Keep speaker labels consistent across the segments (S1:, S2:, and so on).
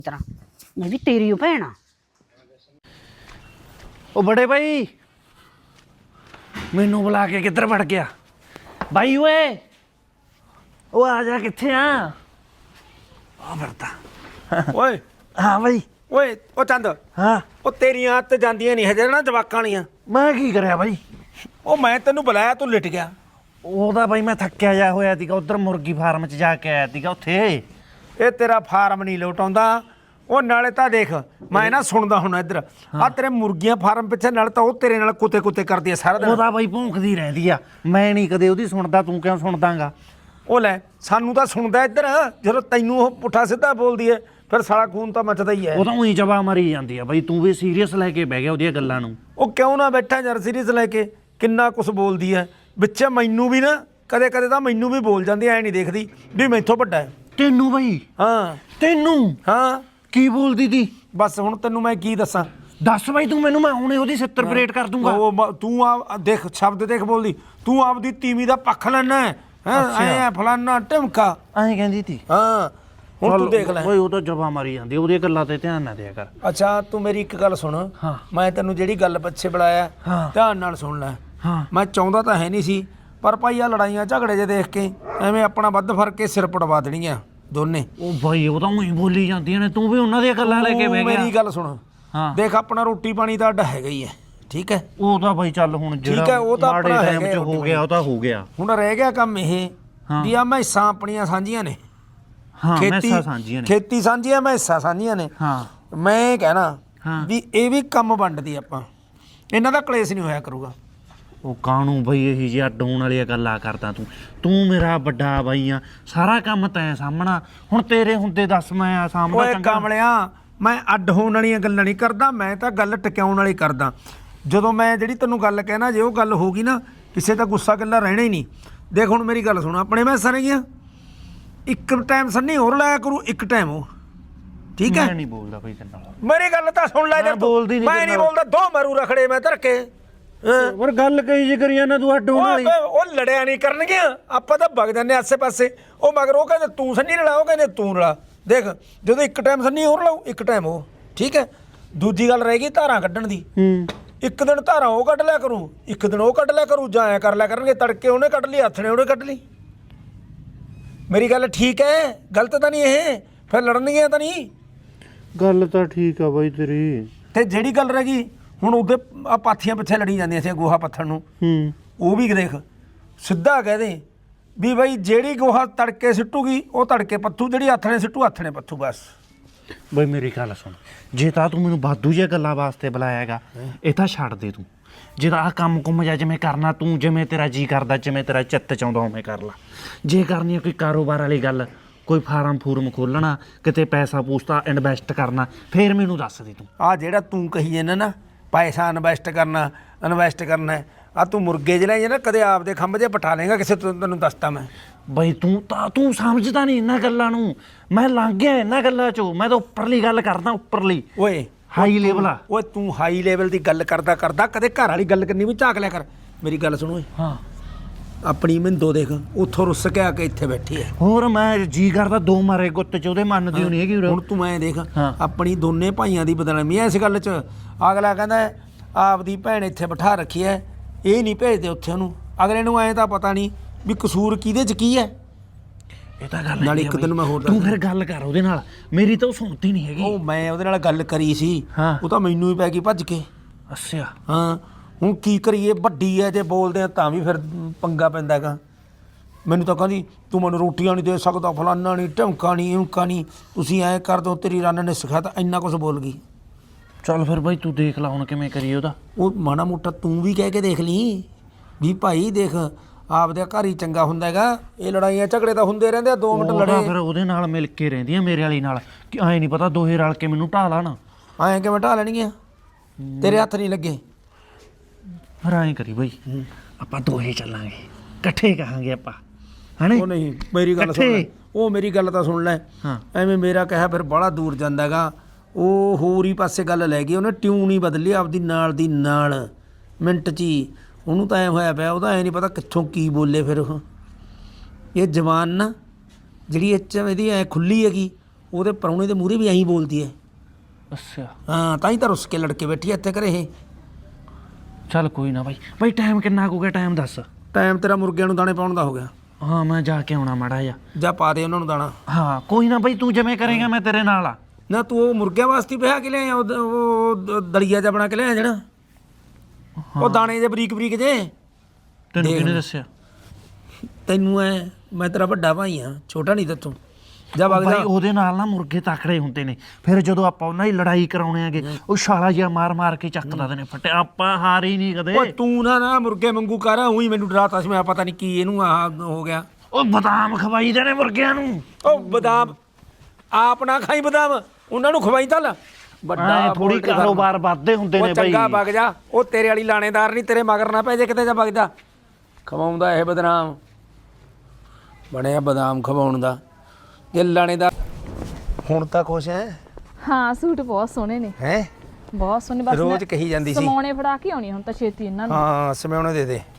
S1: ਤਰ੍ਹਾਂ ਮੈਂ ਵੀ ਤੇਰੀ ਓ ਭੈਣ ਆ।
S2: ਉਹ ਬੜੇ ਭਾਈ ਮੈਨੂੰ ਬੁਲਾ ਕੇ ਕਿੱਧਰ ਵੜ ਗਿਆ ਬਾਈ ਓਏ? ਉਹ ਆ ਜਾ, ਕਿੱਥੇ ਆ? ਆ ਵਰਤਾ
S3: ਓਏ
S2: ਹਾਂ ਬਾਈ।
S3: ਓਏ ਉਹ ਚੰਦ,
S2: ਹਾਂ
S3: ਉਹ ਤੇਰੀਆਂ ਹੱਥ ਜਾਂਦੀਆਂ ਨਹੀਂ ਹਜੇ ਨਾ ਜਵਾਕਾਂ ਵਾਲੀਆਂ।
S2: ਮੈਂ ਕੀ ਕਰਿਆ ਬਾਈ?
S3: ਉਹ ਮੈਂ ਤੈਨੂੰ ਬੁਲਾਇਆ ਤੂੰ ਲਿਟ ਗਿਆ।
S2: ਉਹਦਾ ਬਾਈ ਮੈਂ ਥੱਕਿਆ ਜਾ ਹੋਇਆ ਸੀਗਾ, ਉਧਰ ਮੁਰਗੀ ਫਾਰਮ 'ਚ ਜਾ ਕੇ ਆਇਆ ਸੀਗਾ ਉੱਥੇ।
S3: ਇਹ ਤੇਰਾ ਫਾਰਮ ਨਹੀਂ ਲੋਟ ਆਉਂਦਾ। ਉਹ ਨਾਲੇ ਤਾਂ ਦੇਖ ਮੈਂ ਨਾ ਸੁਣਦਾ ਹੁਣ ਇੱਧਰ ਆ ਤੇਰੇ ਮੁਰਗੀਆਂ ਫਾਰਮ ਪਿੱਛੇ ਨਾਲ ਤਾਂ ਉਹ ਤੇਰੇ ਨਾਲ ਕੁੱਤੇ ਕੁੱਤੇ ਕਰਦੀ ਆ ਸਾਰਾ ਦਿਨ।
S2: ਉਹਦਾ ਬਾਈ ਭੌਂਕਦੀ ਰਹਿੰਦੀ ਆ, ਮੈਂ ਨਹੀਂ ਕਦੇ ਉਹਦੀ ਸੁਣਦਾ, ਤੂੰ ਕਿਉਂ ਸੁਣਦਾਗਾ?
S3: ਉਹ ਲੈ ਸਾਨੂੰ ਤਾਂ ਸੁਣਦਾ ਇੱਧਰ, ਜਦੋਂ ਤੈਨੂੰ ਉਹ ਪੁੱਠਾ ਸਿੱਧਾ ਬੋਲਦੀ ਹੈ ਫਿਰ ਸਾਲਾ ਖੂਨ ਤਾਂ ਮੱਚਦਾ ਹੀ ਹੈ।
S2: ਉਹ ਤਾਂ ਉਹੀ ਜਵਾ ਮਰੀ ਜਾਂਦੀ ਆ ਬਾਈ, ਤੂੰ ਵੀ ਸੀਰੀਅਸ ਲੈ ਕੇ ਬਹਿ ਗਿਆ ਉਹਦੀਆਂ ਗੱਲਾਂ ਨੂੰ।
S3: ਉਹ ਕਿਉਂ ਨਾ ਬੈਠਾ ਯਾਰ ਸੀਰੀਅਸ ਲੈ ਕੇ, ਕਿੰਨਾ ਕੁਛ ਬੋਲਦੀ ਹੈ ਵਿੱਚ। ਮੈਨੂੰ ਵੀ ਨਾ ਕਦੇ ਕਦੇ ਤਾਂ ਮੈਨੂੰ ਵੀ ਬੋਲ ਜਾਂਦੀ, ਐ ਨਹੀਂ ਦੇਖਦੀ ਵੀ ਮੈਥੋਂ ਵੱਡਾ ਹੈ।
S2: ਤੈਨੂੰ ਬਾਈ?
S3: ਹਾਂ
S2: ਤੈਨੂੰ?
S3: ਹਾਂ
S2: ਕੀ ਬੋਲਦੀ ਤੀ?
S3: ਬਸ ਹੁਣ ਤੈਨੂੰ ਮੈਂ ਕੀ ਦੱਸਾਂ?
S2: ਦੱਸ ਬਾਈ ਤੂੰ ਮੈਨੂੰ, ਮੈਂ ਹੁਣੇ ਉਹਦੀ 70 ਪਰੇਡ ਕਰ ਦੂੰਗਾ।
S3: ਤੂੰ ਆ ਦੇਖ ਸ਼ਬਦ ਦੇਖ ਬੋਲਦੀ, ਤੂੰ ਆਪਦੀ ਤੀਵੀਂ ਦਾ ਪੱਖ ਲੈਣਾ ਹੈ ਐ ਫਲਾਨਾ ਢਮਕਾ
S2: ਐਂ ਕਹਿੰਦੀ ਤੀ?
S3: ਹਾਂ ਹੁਣ ਤੂੰ ਦੇਖ ਲੈ
S2: ਓਏ ਉਹ ਤਾਂ ਜਵਾ ਮਾਰੀ ਜਾਂਦੀ, ਉਹਦੀਆਂ ਗੱਲਾਂ ਤੇ ਧਿਆਨ ਨਾ ਦਿਆ ਕਰ।
S3: ਅੱਛਾ ਤੂੰ ਮੇਰੀ ਇੱਕ ਗੱਲ ਸੁਣ,
S2: ਹਾਂ।
S3: ਮੈਂ ਤੈਨੂੰ ਜਿਹੜੀ ਗੱਲ ਪਿੱਛੇ ਬੁਲਾਇਆ
S2: ਹਾਂ।
S3: ਧਿਆਨ ਨਾਲ ਸੁਣ ਲੈ।
S2: ਹਾਂ
S3: ਮੈਂ ਚਾਹੁੰਦਾ ਤਾਂ ਹੈ ਨਹੀਂ ਸੀ, ਪਰ ਭਾਈ ਆ ਲੜਾਈਆਂ ਝਗੜੇ ਜੇ ਦੇਖ ਕੇ ਐਵੇਂ ਆਪਣਾ ਵੱਧ ਫਰਕ ਕੇ ਸਿਰ ਪੜਵਾ ਦੇਣੀਆਂ ਦੋਨੇ।
S2: ਉਹ ਬਾਈ ਉਹ ਤਾਂ ਉਹੀ ਬੋਲੀ ਜਾਂਦੀਆਂ ਨੇ, ਤੂੰ ਵੀ ਉਹਨਾਂ ਦੀਆਂ ਗੱਲਾਂ ਲੈ ਕੇ ਬਹਿ ਗਿਆ।
S3: ਮੇਰੀ ਗੱਲ ਸੁਣ,
S2: ਹਾਂ
S3: ਦੇਖ ਆਪਣਾ ਰੋਟੀ ਪਾਣੀ ਤਾਂ ਅੱਡ ਹੈਗਾ ਹੀ ਹੈ, ਠੀਕ ਹੈ?
S2: ਉਹ ਤਾਂ ਬਾਈ ਚੱਲ ਹੁਣ ਜਿਹੜਾ
S3: ਠੀਕ ਹੈ, ਉਹ ਤਾਂ
S2: ਮਾੜੇ
S3: ਆਪਣਾ
S2: ਟਾਈਮ 'ਚ
S3: ਹੈਗਾ
S2: ਹੋ ਗਿਆ ਉਹ ਤਾਂ ਹੋ ਗਿਆ।
S3: ਹੁਣ ਰਹਿ ਗਿਆ ਕੰਮ ਇਹ
S2: ਹਾਂ।
S3: ਵੀ ਆ ਮੈਸਾਂ ਆਪਣੀਆਂ ਸਾਂਝੀਆਂ ਨੇ,
S2: ਹਾਂ ਮੈਸਾਂ ਸਾਂਝੀਆਂ ਨੇ,
S3: ਖੇਤੀ ਸਾਂਝੀ ਆ, ਮੈਸਾਂ ਸਾਂਝੀਆਂ ਨੇ।
S2: ਹਾਂ
S3: ਮੈਂ ਕਹਿਣਾ
S2: ਹਾਂ।
S3: ਵੀ ਇਹ ਵੀ ਕੰਮ ਵੰਡਦੀ ਆਪਾਂ, ਇਹਨਾਂ ਦਾ ਕਲੇਸ਼ ਨਹੀਂ ਹੋਇਆ ਕਰੂਗਾ।
S2: ਉਹ ਕਾਹਨੂੰ ਬਈ ਇਹੀ ਜਿਹੀ ਅੱਡ ਹੋਣ ਵਾਲੀਆਂ ਗੱਲਾਂ ਕਰਦਾ ਤੂੰ ਮੇਰਾ ਵੱਡਾ ਬਾਈ ਆ, ਸਾਰਾ ਕੰਮ ਤੈਂ ਸਾਹਮਣਾ। ਹੁਣ ਤੇਰੇ ਹੁੰਦੇ ਦੱਸ ਮੈਂ ਸਾਹਮਣਾ
S3: ਓਏ
S2: ਚੰਗਾ?
S3: ਕਾਮਲਿਆ, ਮੈਂ ਅੱਡ ਹੋਣ ਵਾਲੀਆਂ ਗੱਲਾਂ ਨਹੀਂ ਕਰਦਾ, ਮੈਂ ਤਾਂ ਗੱਲ ਟਿਕਾਉਣ ਵਾਲੀ ਕਰਦਾ। ਜਦੋਂ ਮੈਂ ਜਿਹੜੀ ਤੈਨੂੰ ਗੱਲ ਕਹਿਣਾ, ਜੇ ਉਹ ਗੱਲ ਹੋ ਗਈ ਨਾ, ਕਿਸੇ ਦਾ ਗੁੱਸਾ ਗੱਲਾਂ ਰਹਿਣਾ ਹੀ ਨਹੀਂ। ਦੇਖ ਹੁਣ ਮੇਰੀ ਗੱਲ ਸੁਣ, ਆਪਣੇ ਮੈਸਾਂ ਨੇਗੀਆਂ, ਇੱਕ ਟਾਈਮ ਸੰਨੀ ਹੋਰ ਲਾਇਆ ਕਰੂ, ਇੱਕ ਟਾਈਮ ਉਹ, ਠੀਕ ਹੈ?
S2: ਮੈਂ ਨਹੀਂ ਬੋਲਦਾ ਬਈ ਤੇਰੇ ਨਾਲ।
S3: ਮੇਰੀ ਗੱਲ ਤਾਂ ਸੁਣ ਲੈ,
S2: ਮੈਂ ਬੋਲਦੀ ਨਹੀਂ
S3: ਮੈਂ
S2: ਤੇਰੇ
S3: ਨਹੀਂ
S2: ਨਾਲ।
S3: ਬੋਲਦਾ, ਦੋ ਮਾਰੂ ਰਖੜੇ ਮੈਂ ਧਰ ਕੇ।
S2: ਪਰ ਗੱਲ ਕਹੀ ਜੇ ਕਰੀ ਜਾਂਦਾ ਤੂੰ ਅੱਡ ਹੋਣ ਵਾਲੀ।
S3: ਉਹ ਲੜਿਆ ਨਹੀਂ ਕਰਨਗੇ, ਆਪਾਂ ਤਾਂ ਵਗ ਜਾਂਦੇ ਆਸੇ ਪਾਸੇ। ਉਹ ਮਗਰ ਉਹ ਕਹਿੰਦੇ ਤੂੰ ਸੰਨੀ ਲੜਾ, ਉਹ ਕਹਿੰਦੇ ਤੂੰ ਲੜਾ। ਦੇਖ ਜਦੋਂ ਇੱਕ ਟਾਈਮ ਸੰਨੀ ਹੋਰ ਲਾਉ, ਇੱਕ ਟਾਈਮ ਉਹ, ਠੀਕ ਹੈ? ਦੂਜੀ ਗੱਲ ਰਹਿ ਗਈ ਧਾਰਾਂ ਕੱਢਣ ਦੀ। ਇੱਕ ਦਿਨ ਧਾਰਾਂ ਉਹ ਕੱਢ ਲਿਆ ਕਰੂ, ਇੱਕ ਦਿਨ ਉਹ ਕੱਢ ਲਿਆ ਕਰੂ, ਜਾਂ ਐਂ ਕਰ ਲਿਆ ਕਰਨਗੇ, ਤੜਕੇ ਉਹਨੇ ਕੱਢ ਲਈ, ਹੱਥ ਨੇ ਉਹਨੇ ਕੱਢ ਲਈ। ਮੇਰੀ ਗੱਲ ਠੀਕ ਹੈ? ਗਲਤ ਤਾਂ ਨਹੀਂ ਇਹ? ਫਿਰ ਲੜਨਗੀਆਂ ਤਾਂ ਨਹੀਂ?
S2: ਗੱਲ ਤਾਂ ਠੀਕ ਆ ਬਾਈ ਤੇਰੀ।
S3: ਤੇ ਜਿਹੜੀ ਗੱਲ ਰਹਿ ਗਈ ਹੁਣ, ਉਹਦੇ ਆ ਪਾਥੀਆਂ ਪਿੱਛੇ ਲੜੀ ਜਾਂਦੀਆਂ ਸੀ ਗੋਹਾ ਪੱਥਣ ਨੂੰ। ਉਹ ਵੀ ਦੇਖ ਸਿੱਧਾ ਕਹਿ ਦੇ ਵੀ ਬਾਈ ਜਿਹੜੀ ਗੋਹਾ ਤੜਕੇ ਸਿੱਟੂਗੀ ਉਹ ਤੜਕੇ ਪੱਥੂ, ਜਿਹੜੀ ਹੱਥ ਨੇ ਸਿੱਟੂ ਹੱਥ ਨੇ ਪੱਥੂ, ਬਸ।
S2: ਬਈ ਮੇਰੀ ਗੱਲ ਸੁਣ, ਜੇ ਤਾਂ ਤੂੰ ਮੈਨੂੰ ਵਾਧੂ ਜਿਹੀਆਂ ਗੱਲਾਂ ਵਾਸਤੇ ਬੁਲਾਇਆ ਹੈਗਾ, ਇਹ ਤਾਂ ਛੱਡ ਦੇ ਤੂੰ। ਜੇ ਤਾਂ ਆਹ ਕੰਮ ਕੁੰਮ ਜਾ ਜਿਵੇਂ ਕਰਨਾ ਤੂੰ, ਜਿਵੇਂ ਤੇਰਾ ਜੀ ਕਰਦਾ, ਜਿਵੇਂ ਤੇਰਾ ਚਿੱਤ ਚਾਹੁੰਦਾ ਉਵੇਂ ਕਰ ਲਾ। ਜੇ ਕਰਨੀ ਆ ਕੋਈ ਕਾਰੋਬਾਰ ਵਾਲੀ ਗੱਲ, ਕੋਈ ਫਾਰਮ ਫੂਰਮ ਖੋਲ੍ਹਣਾ, ਕਿਤੇ ਪੈਸਾ ਪੂਸਤਾ ਇਨਵੈਸਟ ਕਰਨਾ, ਫੇਰ ਮੈਨੂੰ ਦੱਸ ਦੇ ਤੂੰ।
S3: ਆ ਜਿਹੜਾ ਤੂੰ ਕਹੀ ਜਾਂਦਾ ਨਾ ਪੈਸਾ ਇਨਵੈਸਟ ਕਰਨਾ ਆ, ਤੂੰ ਮੁਰਗੇ ਜਿਹੜੇ ਨਾ ਕਦੇ ਆਪਦੇ ਖੰਭ 'ਚ ਪਟਾ ਲੇਗਾ ਕਿਸੇ ਤੋਂ, ਤੈਨੂੰ ਦੱਸਤਾ ਮੈਂ।
S2: ਬਈ ਤੂੰ ਸਮਝਦਾ ਨਹੀਂ ਇਹਨਾਂ ਗੱਲਾਂ ਨੂੰ, ਮੈਂ ਲੰਘ ਗਿਆ ਇਹਨਾਂ ਗੱਲਾਂ 'ਚੋਂ। ਮੈਂ ਤਾਂ ਉੱਪਰਲੀ ਗੱਲ ਕਰਦਾ, ਉੱਪਰਲੀ
S3: ਓਏ
S2: ਹਾਈ ਲੈਵਲ ਆ।
S3: ਓਏ ਤੂੰ ਹਾਈ ਲੈਵਲ ਦੀ ਗੱਲ ਕਰਦਾ ਕਦੇ ਘਰ ਵਾਲੀ ਗੱਲ ਕਰਨੀ ਵੀ ਝਾਕ ਲਿਆ ਕਰ। ਮੇਰੀ ਗੱਲ ਸੁਣ ਓਏ,
S2: ਹਾਂ
S3: ਆਪਣੀ ਮਿੰਦੋ ਦੇਖ ਉੱਥੋਂ ਰੁੱਸ ਕੇ ਆ ਕੇ ਇੱਥੇ ਬੈਠੀ ਹੈ।
S2: ਹੋਰ ਮੈਂ ਜੀ ਕਰਦਾ ਦੋ ਮਾਰੇ ਗੁੱਤ 'ਚ ਉਹਦੇ ਮੰਨਦੀ ਨਹੀਂ ਹੈਗੀ।
S3: ਹੁਣ ਤੂੰ ਐਂ ਦੇਖ,
S2: ਹਾਂ।
S3: ਆਪਣੀ ਦੋਨੇ ਭਾਈਆਂ ਦੀ ਬਦਨਾਮੀ ਐ ਇਸ ਗੱਲ 'ਚ। ਅਗਲਾ ਕਹਿੰਦਾ ਆਪਦੀ ਭੈਣ ਇੱਥੇ ਬਿਠਾ ਰੱਖੀ ਐ, ਇਹ ਨਹੀਂ ਭੇਜਦੇ ਉੱਥੇ ਉਹਨੂੰ। ਅਗਲੇ ਨੂੰ ਐਂ ਤਾਂ ਪਤਾ ਨਹੀਂ ਵੀ ਕਸੂਰ ਕਿਹਦੇ 'ਚ ਕੀ ਹੈ।
S2: ਇਹ ਤਾਂ ਗੱਲ
S3: ਨਾਲ
S2: ਹੈਗੀ
S3: ਇੱਕ
S2: ਆ
S3: ਦਿਨ
S2: ਬਈ।
S3: ਮੈਂ ਹੋਰ
S2: ਤੂੰ ਫਿਰ ਗੱਲ ਕਰ ਉਹਦੇ ਨਾਲ, ਮੇਰੀ ਤਾਂ ਉਹ ਸੁਣਦੀ ਨਹੀਂ ਹੈਗੀ।
S3: ਉਹ ਮੈਂ ਉਹਦੇ ਨਾਲ ਗੱਲ ਕਰੀ ਸੀ,
S2: ਹਾਂ।
S3: ਉਹ ਤਾਂ ਮੈਨੂੰ ਹੀ ਪੈ ਗਈ ਭੱਜ ਕੇ।
S2: ਅੱਛਾ
S3: ਹਾਂ ਹੁਣ ਕੀ ਕਰੀਏ, ਵੱਡੀ ਐ, ਜੇ ਬੋਲਦੇ ਆ ਤਾਂ ਵੀ ਫਿਰ ਪੰਗਾ ਪੈਂਦਾ ਹੈਗਾ। ਮੈਨੂੰ ਤਾਂ ਕਹਿੰਦੀ ਤੂੰ ਮੈਨੂੰ ਰੋਟੀਆਂ ਨਹੀਂ ਦੇ ਸਕਦਾ, ਫਲਾਨਾ ਨਹੀਂ, ਢਮਕਾ ਨਹੀਂ, ਉਂਕਾ ਨਹੀਂ, ਤੁਸੀਂ ਐਂ ਕਰ ਦਿਓ, ਤੇਰੀ ਰੰਨ ਨੇ ਸਿਖਾਇਆ, ਤਾਂ ਇੰਨਾ ਕੁਛ ਬੋਲ ਗਈ।
S2: ਚੱਲ ਫਿਰ ਬਾਈ ਤੂੰ ਦੇਖ ਲਾ ਹੁਣ ਕਿਵੇਂ ਕਰੀਏ ਉਹਦਾ।
S3: ਉਹ ਮਾੜਾ ਮੋਟਾ ਤੂੰ ਵੀ ਕਹਿ ਕੇ ਦੇਖ ਲਈ ਵੀ ਭਾਈ ਦੇਖ ਆਪਦੇ ਘਰ ਹੀ ਚੰਗਾ ਹੁੰਦਾ ਹੈਗਾ, ਇਹ ਲੜਾਈਆਂ ਝਗੜੇ ਤਾਂ ਹੁੰਦੇ ਰਹਿੰਦੇ ਆ, 2 ਮਿੰਟ
S2: ਉਹ ਤਾਂ
S3: ਲੜੇ
S2: ਫਿਰ ਉਹਦੇ ਨਾਲ ਮਿਲ ਕੇ ਰਹਿੰਦੀਆਂ ਮੇਰੇ ਵਾਲੀ ਨਾਲ, ਕਿ ਐਂ ਨਹੀਂ ਪਤਾ ਦੋਹੇ ਰਲ ਕੇ ਮੈਨੂੰ ਢਾਹ ਲਾਣ।
S3: ਐਂ ਕਿਵੇਂ ਢਾਹ ਲੈਣਗੀਆਂ? ਤੇਰੇ ਹੱਥ ਨਹੀਂ ਲੱਗੇ।
S2: ਫਿਰ ਐਂ ਕਰੀ ਬਾਈ, ਆਪਾਂ ਦੋਹੇ ਚੱਲਾਂਗੇ, ਇਕੱਠੇ ਕਹਾਂਗੇ ਆਪਾਂ, ਹਣੇ?
S3: ਉਹ ਨਹੀਂ, ਮੇਰੀ ਗੱਲ ਸੁਣ ਲੈ, ਉਹ ਮੇਰੀ ਗੱਲ ਤਾਂ ਸੁਣ ਲੈ।
S2: ਹਾਂ
S3: ਐਵੇਂ ਮੇਰਾ ਕਿਹਾ ਫਿਰ ਬਾਹਲਾ ਦੂਰ ਜਾਂਦਾ ਹੈਗਾ। ਉਹ ਹੋਰ ਹੀ ਪਾਸੇ ਗੱਲ ਲੈ ਗਈ, ਉਹਨੇ ਟਿਊਨ ਹੀ ਬਦਲੀ ਆਪਦੀ ਨਾਲ ਦੀ ਨਾਲ ਮਿੰਟ 'ਚ ਹੀ। ਉਹਨੂੰ ਤਾਂ ਐਂ ਹੋਇਆ ਪਿਆ, ਉਹਦਾ ਐਂ ਨਹੀਂ ਪਤਾ ਕਿੱਥੋਂ ਕੀ ਬੋਲੇ। ਫਿਰ ਉਹ ਇਹ ਜਵਾਨ ਨਾ ਜਿਹੜੀ ਇਹਦੀ ਐਂ ਖੁੱਲੀ ਹੈਗੀ, ਉਹਦੇ ਪ੍ਰਾਹੁਣੇ ਦੇ ਮੂਹਰੇ ਵੀ ਐਂ ਬੋਲਦੀ ਹੈ।
S2: ਅੱਛਾ
S3: ਹਾਂ ਤਾਂ ਹੀ ਤਾਂ ਰੁੱਸ ਕੇ ਲੜਕੇ ਬੈਠੀ ਐ ਇੱਥੇ ਘਰੇ ਇਹ।
S2: ਚੱਲ ਕੋਈ ਨਾ ਬਾਈ ਟਾਈਮ ਕਿੰਨਾ ਕੁ ਗਿਆ ਟਾਈਮ ਦੱਸ।
S3: ਟਾਈਮ ਤੇਰਾ ਮੁਰਗਿਆਂ ਨੂੰ ਦਾਣੇ ਪਾਉਣ ਦਾ ਹੋ ਗਿਆ।
S2: ਹਾਂ ਮੈਂ ਜਾ ਕੇ ਆਉਣਾ ਮਾੜਾ ਜਿਹਾ।
S3: ਜਾਂ ਪਾ ਦੇ ਉਹਨਾਂ ਨੂੰ ਦਾਣਾ।
S2: ਹਾਂ ਕੋਈ ਨਾ ਬਾਈ ਤੂੰ ਜਿਵੇਂ ਕਰੇਗਾ ਮੈਂ ਤੇਰੇ ਨਾਲ ਆ।
S3: ਨਾ ਤੂੰ ਉਹ ਮੁਰਗਿਆਂ ਵਾਸਤੇ ਪਿਆ ਕੇ ਲਿਆਇਆ ਉਹ ਦਲੀਆ ਜਿਹਾ ਬਣਾ ਕੇ ਲਿਆਇਆ ਜਿਹੜਾ ਉਹ ਦਾਣੇ ਜੇ ਬਰੀਕ ਬਰੀਕ ਜੇ।
S2: ਤੈਨੂੰ ਕਿਹਨੇ ਦੱਸਿਆ?
S3: ਤੈਨੂੰ ਐ ਮੈਂ ਤੇਰਾ ਵੱਡਾ ਭਾਈ ਆ, ਛੋਟਾ ਨਹੀਂ ਤੇਤੋਂ। ਜਾ ਵਗ ਜਾ।
S2: ਬਾਈ ਉਹਦੇ ਨਾਲ ਨਾ ਮੁਰਗੇ ਤਕੜੇ ਹੁੰਦੇ ਨੇ, ਫਿਰ ਜਦੋਂ ਆਪਾਂ ਉਹਨਾਂ ਦੀ ਲੜਾਈ ਕਰਾਉਣੇ ਆਗੇ ਉਹ ਛਾਲਾ ਜਿਹਾ ਮਾਰ ਕੇ ਚੱਕ ਦਿੰਦੇ ਨੇ ਫਟੇ। ਆਪਾਂ ਹਾਰ ਹੀ ਨਹੀਂ ਕਦੇ।
S3: ਓਏ ਤੂੰ ਨਾ ਮੁਰਗੇ ਵਾਂਗੂ ਕਰ, ਉਹੀ ਮੈਨੂੰ ਡਰਾਤਾ ਸੀ। ਮੈਂ ਪਤਾ ਨਹੀਂ ਕੀ ਇਹਨੂੰ ਆਹ ਹੋ ਗਿਆ।
S2: ਉਹ ਬਦਾਮ ਖਵਾਈ ਦੇ ਨੇ ਮੁਰਗਿਆਂ ਨੂੰ।
S3: ਉਹ ਬਦਾਮ ਆਪ ਨਾ ਖਾਈ, ਬਦਾਮ ਉਹਨਾਂ ਨੂੰ ਖਵਾਈ ਤਾਂ
S2: ਵੱਡਾ ਥੋੜੀ ਕਾਰੋਬਾਰ ਵੱਧਦੇ ਹੁੰਦੇ ਨੇ ਬਾਈ।
S3: ਚੰਗਾ ਵਗ ਜਾ, ਉਹ ਤੇਰੇ ਵਾਲੀ ਲਾਣੇਦਾਰ ਨਹੀਂ, ਤੇਰੇ ਮਗਰ ਨਾ ਪੈ ਜੇ ਕਿਤੇ। ਜਾ ਵਗ ਜਾ। ਖਵਾਉਂਦਾ ਇਹ ਬਦਨਾਮ ਬਣਿਆ, ਬਦਾਮ ਖਵਾਉਣ ਦਾ ਜੇ ਲਾਣੇਦਾਰ। ਹੁਣ ਤਾਂ ਖੁਸ਼ ਹੈ?
S4: ਹਾਂ ਸੂਟ ਬਹੁਤ ਸੋਹਣੇ ਨੇ।
S3: ਹੈ
S4: ਬਹੁਤ ਸੋਹਣੇ। ਬਸ
S3: ਰੋਜ਼ ਕਹੀ ਜਾਂਦੀ ਸੀ
S4: ਸਮਾਉਣੇ ਫੜਾ ਕੇ ਆਉਣੀ ਹੁਣ ਤਾਂ ਛੇਤੀ ਇਹਨਾਂ ਨੂੰ।
S3: ਹਾਂ ਸਮਿਆਉਣੇ ਦੇ ਦੇ।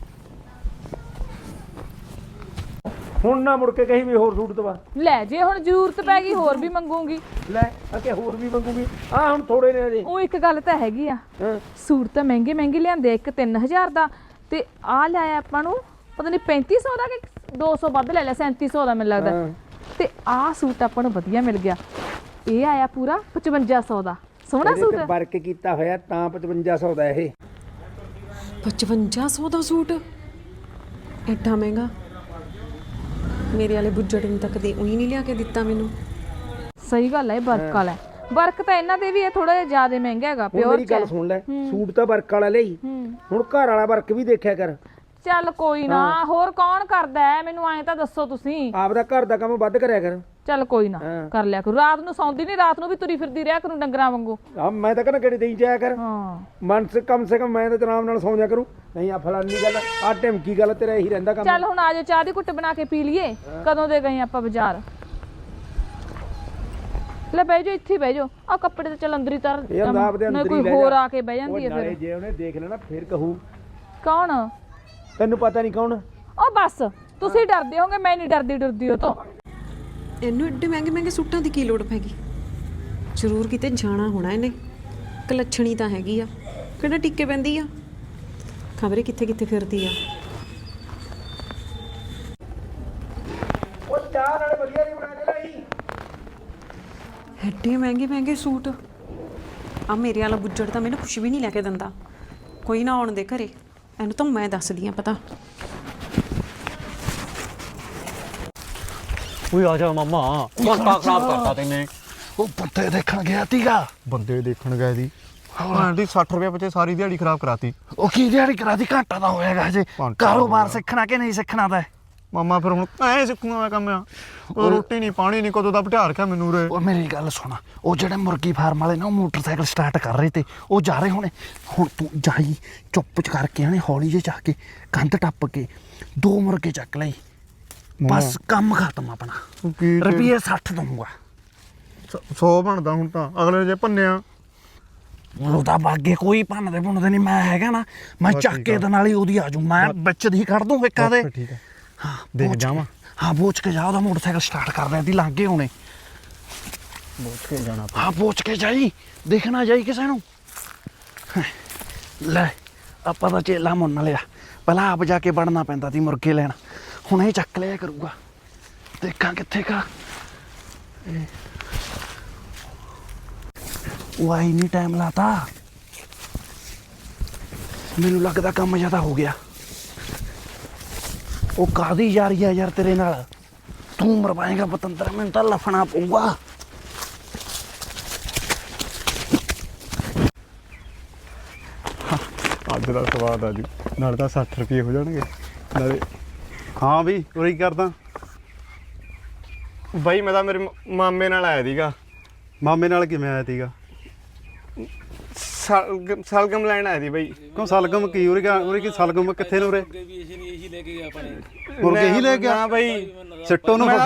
S3: ਹੁਣ ਨਾ ਮੁੜ ਕੇ ਕਹੀ ਵੀ ਹੋਰ ਸੂਟ ਦਵਾ
S4: ਲੈ, ਜੇ ਹੁਣ ਜ਼ਰੂਰਤ ਪੈ ਗਈ ਹੋਰ ਵੀ ਮੰਗੂਗੀ।
S3: ਲੈ ਅਕੇ ਹੋਰ ਵੀ ਮੰਗੂਗੀ। ਆ ਹੁਣ ਥੋੜੇ ਨੇ ਅਜੇ।
S4: ਉਹ ਇੱਕ ਗੱਲ ਤਾਂ ਹੈਗੀ ਆ, ਸੂਟ ਤਾਂ ਮਹਿੰਗੇ ਮਹਿੰਗੇ ਲਿਆਂਦੇ। ਇੱਕ 3000 ਦਾ ਤੇ ਆ ਲਿਆਇਆ ਆਪਾਂ ਨੂੰ ਪਤਾ ਨਹੀਂ 3500 ਦਾ ਕਿ 200 ਵੱਧ ਲੈ ਲਿਆ, 3700 ਦਾ ਮੈਨੂੰ ਲੱਗਦਾ। ਤੇ ਆਹ ਸੂਟ ਆਪਾਂ ਨੂੰ ਵਧੀਆ ਮਿਲ ਗਿਆ। ਇਹ ਆਇਆ ਪੂਰਾ 5500 ਦਾ। ਸੋਹਣਾ ਸੂਟ
S3: ਵਰਕ ਕੀਤਾ ਹੋਇਆ ਤਾਂ 5500 ਦਾ। ਇਹ
S5: 5500 ਦਾ ਸੂਟ ਐਡਾ ਮਹਿੰਗਾ? ਮੇਰੇ ਵਾਲੇ ਬੁੱਜੜ ਨੂੰ ਤਾਂ ਕਦੇ ਉਹੀ ਨਹੀਂ ਲਿਆ ਕੇ ਦਿੱਤਾ ਮੈਨੂੰ।
S4: ਸਹੀ ਗੱਲ ਹੈ, ਵਰਕ ਵਾਲਾ। ਵਰਕ ਤਾਂ ਇਹਨਾਂ ਦੇ ਵੀ ਥੋੜਾ ਜਿਹਾ ਜ਼ਿਆਦਾ ਮਹਿੰਗਾ ਹੈਗਾ। ਪਿਓਰ
S3: ਮੇਰੀ ਗੱਲ ਸੁਣ ਲੈ, ਸੂਟ ਤਾਂ ਵਰਕ ਵਾਲਾ ਲਈ, ਹੁਣ ਘਰ ਵਾਲਾ ਵਰਕ ਵੀ ਦੇਖਿਆ ਕਰ।
S4: ਚੱਲ ਕੋਈ ਨਾ, ਹੋਰ ਕੌਣ ਕਰਦਾ ਹੈ ਮੈਨੂੰ ਐਂ ਤਾਂ ਦੱਸੋ ਤੁਸੀਂ।
S3: ਆਪਦਾ ਘਰ ਦਾ ਕੰਮ ਵੱਧ ਕਰਿਆ ਕਰ।
S4: ਚੱਲ ਕੋਈ ਨਾ, ਕਰ ਲਿਆ ਕਰੂ। ਰਾਤ ਨੂੰ ਸੌਂਦੀ ਨਹੀਂ, ਰਾਤ ਨੂੰ ਵੀ ਤੁਰੀ ਫਿਰਦੀ ਰਿਹਾ ਕਰੂ ਡੰਗਰਾਂ ਵਾਂਗੂ।
S3: ਆ ਮੈਂ ਤਾਂ ਕਹਿੰਦਾ ਕਿਹੜੀ ਦੇਈ ਜਾਇਆ ਕਰ।
S4: ਹਾਂ
S3: ਮਨ ਸੇ ਕਮ ਮੈਂ ਤਾਂ ਆਰਾਮ ਨਾਲ ਸੌਂ ਜਾ ਕਰੂੰ। ਨਹੀਂ ਆ ਫਲਾਨੀ ਗੱਲ, ਆ ਢਿਮਕੀ ਗੱਲ, ਤੇਰਾ ਇਹੀ ਰਹਿੰਦਾ ਕੰਮ।
S4: ਚੱਲ ਹੁਣ ਆ ਜਾ, ਚਾਹ ਦੀ ਘੁੱਟ ਬਣਾ ਕੇ ਪੀ ਲਈਏ। ਕਦੋਂ ਦੇ ਗਏ ਆਪਾਂ ਬਾਜ਼ਾਰ? ਲੈ ਬਹਿ ਜਾਓ, ਇੱਥੇ ਬਹਿ ਜਾਓ। ਆ ਕੱਪੜੇ ਤਾਂ ਚੱਲ ਅੰਦਰ ਹੀ ਤਰ, ਕੋਈ ਹੋਰ ਆ ਕੇ ਬਹਿ ਜਾਂਦੀ ਹੈ ਫਿਰ।
S3: ਜੇ ਉਹਨੇ ਦੇਖ ਲੈਣਾ ਫਿਰ ਕਹੂ।
S4: ਕੌਣ?
S3: ਤੈਨੂੰ ਪਤਾ ਨਹੀਂ ਕੌਣ?
S4: ਉਹ ਬਸ ਤੁਸੀਂ ਡਰਦੇ ਹੋਗੇ, ਮੈਂ ਨਹੀਂ ਡਰਦੀ ਉਹ ਤੋਂ।
S5: ਇਹਨੂੰ ਏਡੇ ਮਹਿੰਗੇ ਮਹਿੰਗੇ ਸੂਟਾਂ ਦੀ ਕੀ ਲੋੜ ਪੈ ਗਈ? ਜ਼ਰੂਰ ਕਿਤੇ ਜਾਣਾ ਹੋਣਾ ਇਹਨੇ। ਕਲੱਛਣੀ ਤਾਂ ਹੈਗੀ ਆ, ਕਿਹੜਾ ਟਿੱਕੇ ਪੈਂਦੀ ਆ, ਖਬਰੇ ਕਿੱਥੇ ਕਿੱਥੇ ਫਿਰਦੀ ਆ।
S3: ਉਹ ਚਾਹ ਨਾਲ ਵਧੀਆ ਨਹੀਂ ਬਣਾ ਕੇ ਲਈ।
S5: ਐਡੇ ਮਹਿੰਗੇ ਮਹਿੰਗੇ ਸੂਟ। ਆ ਮੇਰੇ ਵਾਲਾ ਬੁੱਜੜ ਤਾਂ ਮੈਨੂੰ ਕੁਛ ਵੀ ਨਹੀਂ ਲੈ ਕੇ ਦਿੰਦਾ। ਕੋਈ ਨਾ ਆਉਣ ਦੇ ਘਰੇ, ਇਹਨੂੰ ਤਾਂ ਮੈਂ ਦੱਸਦੀ ਆ ਪਤਾ।
S6: ਓਏ ਆ ਜਾ ਮਾਮਾ, ਘੰਟਾ ਖਰਾਬ ਕਰਤਾ ਤੈਨੇ।
S2: ਉਹ ਬੰਦੇ ਦੇਖਣ ਗਿਆ ਤੀਗਾ।
S6: ਬੰਦੇ ਦੇਖਣ ਗਏ ਦੀ ਆਂਟੀ 60 ਰੁਪਏ ਪਿੱਛੇ ਸਾਰੀ ਦਿਹਾੜੀ ਖਰਾਬ ਕਰਾਤੀ।
S2: ਉਹ ਕੀ ਦਿਹਾੜੀ ਕਰਾਤੀ? ਘੰਟਾ ਦਾ ਹੋਏਗਾ ਹਜੇ। ਕਾਰੋਬਾਰ ਸਿੱਖਣਾ ਕਿ ਨਹੀਂ ਸਿੱਖਣਾ ਤਾਂ?
S6: ਮਾਮਾ ਫਿਰ ਹੁਣ ਐ ਸਿੱਖੂਗਾ ਮੈਂ ਕੰਮ ਆ। ਉਹ ਰੋਟੀ ਨਹੀਂ ਪਾਣੀ ਨਹੀਂ, ਕਦੋਂ ਦਾ ਬਿਠਾ ਰੱਖਿਆ ਮੈਨੂੰ ਉਰੇ।
S2: ਉਹ ਮੇਰੀ ਗੱਲ ਸੁਣ, ਉਹ ਜਿਹੜੇ ਮੁਰਗੀ ਫਾਰਮ ਵਾਲੇ ਨਾ ਉਹ ਮੋਟਰਸਾਈਕਲ ਸਟਾਰਟ ਕਰ ਰਹੇ ਤੇ ਉਹ ਜਾ ਰਹੇ ਹੋਣੇ। ਹੁਣ ਤੂੰ ਜਾਈ ਚੁੱਪ ਚ ਕਰਕੇ ਆਣੇ, ਹੌਲੀ ਜਿਹੇ ਜਾ ਕੇ ਕੰਧ ਟੱਪ ਕੇ 2 ਮੁਰਗੇ ਚੱਕ ਲਈ, ਬਸ ਕੰਮ ਖਤਮ ਆਪਣਾ। ਰੁਪਈਏ 60 ਦਊਂਗਾ।
S6: 100 ਬਣਦਾ ਹੁਣ ਤਾਂ, ਅਗਲੇ ਜੇ ਭੰਨਿਆ
S2: ਉਹਦਾ ਬਾਗੇ ਕੋਈ ਭੰਨਦੇ ਭੁੰਨਦੇ ਨਹੀਂ। ਮੈਂ ਹੈਗਾ ਨਾ, ਮੈਂ ਚੱਕ ਕੇ ਦੇ ਨਾਲ ਹੀ ਉਹਦੀ ਆਜੂ। ਮੈਂ ਵਿੱਚ ਦੀ ਕੱਢ ਦੂੰ ਇੱਕਾ ਦੇ।
S6: ਠੀਕ ਹੈ,
S2: ਹਾਂ
S6: ਦੇਖ ਜਾਵਾਂ।
S2: ਹਾਂ ਪੋਚ ਕੇ ਜਾ, ਉਹਦਾ ਮੋਟਰਸਾਈਕਲ ਸਟਾਰਟ ਕਰ ਰਿਹਾ ਦੀ ਲਾਂਗੇ ਹੁਣੇ।
S6: ਬੋਚ ਕੇ ਜਾਣਾ।
S2: ਹਾਂ ਪੋਚ ਕੇ ਜਾਈ, ਦੇਖਣਾ ਜਾਈ ਕਿਸੇ ਨੂੰ। ਲੈ ਆਪਾਂ ਤਾਂ ਚੇਲਾ ਮੁੰਨ ਲਿਆ, ਪਹਿਲਾਂ ਆਪ ਜਾ ਕੇ ਵੜਨਾ ਪੈਂਦਾ ਸੀ ਮੁਰਗੇ ਲੈਣ। ਹੁਣ ਇਹ ਚੱਕ ਲਿਆ ਕਰੂਗਾ, ਦੇਖਾਂ ਕਿੱਥੇ ਕਾ। ਉਹ ਆਈ ਨਹੀਂ, ਟਾਈਮ ਲਾਤਾ। ਮੈਨੂੰ ਲੱਗਦਾ ਕੰਮ ਜ਼ਿਆਦਾ ਹੋ ਗਿਆ। ਉਹ ਕਾਹਦੀ ਯਾਰੀ ਆ ਯਾਰ ਤੇਰੇ ਨਾਲ? ਤੂੰ ਮਰਵਾਏਗਾ ਪਤੰਦਰ, ਮੈਨੂੰ ਤਾਂ ਲਫਣਾ ਪਊਗਾ।
S6: ਅੱਜ ਦਾ ਸਵਾਦ ਆ ਜੀ, ਨਾਲ ਤਾਂ 60 ਰੁਪਏ ਹੋ ਜਾਣਗੇ ਨਾਲੇ। ਹਾਂ ਵੀ ਉਹੀ ਕਰਦਾ ਬਾਈ। ਮੈਂ ਤਾਂ ਮੇਰੇ ਮਾਮੇ ਨਾਲ ਆਇਆ ਸੀਗਾ। ਮਾਮੇ ਨਾਲ ਕਿਵੇਂ ਆਇਆ ਸੀਗਾ? ਸਲਗਮ ਲੈਣ ਆਇਆ ਸੀ ਬਾਈ। ਕਿਉਂ ਸਲਗਮ ਕੀ ਉਰੇ ਕੀ ਸਲਗਮ ਕਿੱਥੇ ਨੇ ਉਰੇ? ਮੁਰਗੇ ਹੀ ਲੈ ਕੇ ਗਿਆ ਆਪਣੇ। ਮੁਰਗੇ ਹੀ ਲੈ ਕੇ ਗਿਆ? ਹਾਂ ਬਾਈ, ਸਿੱਟੋ ਨੂੰ